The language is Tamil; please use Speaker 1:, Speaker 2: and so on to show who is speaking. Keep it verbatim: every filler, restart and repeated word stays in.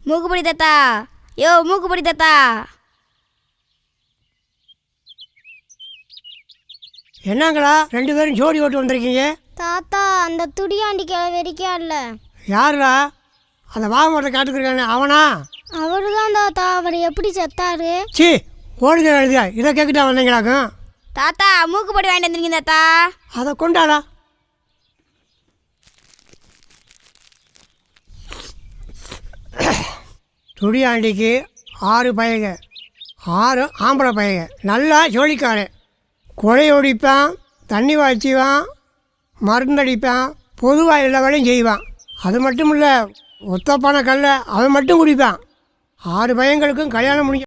Speaker 1: மூக்குப்பொடி தாத்தா, யோ மூக்குப்பொடி தாத்தா.
Speaker 2: என்னங்களா ரெண்டு பேரும் ஜோடி ஓட்டு வந்திருக்கீங்க?
Speaker 3: தாத்தா, அந்த துடியாண்டி கிளவெறிக்கா இல்ல?
Speaker 2: யாருடா? அந்த வாகமரத்தை காட்டுக்குறானே அவனா?
Speaker 3: அவரு தான் தாத்தா. அவர் எப்படி செத்தாரு?
Speaker 2: சி ஓடுத எழுதியா இதை கேட்கிட்டா வந்தீங்களாக்கும்?
Speaker 1: தாத்தா மூக்குப்பொடி வாங்கிட்டு வந்துருக்கீங்க தாத்தா.
Speaker 2: அதை கொண்டாடா. துடியாண்டிக்கு ஆறு பையங்க, ஆறு ஆம்பளை பையங்க, நல்லா ஜோலிக்காரன். கொலையொடிப்பான், தண்ணி வாய்ச்சிவான், மருந்தடிப்பான், பொதுவாக எல்லா வேலையும் செய்வான். அது மட்டும் இல்லை, ஒத்தப்பான கல்லை அவன் மட்டும் குடிப்பான். ஆறு பையங்களுக்கும் கல்யாணம் முடிஞ்ச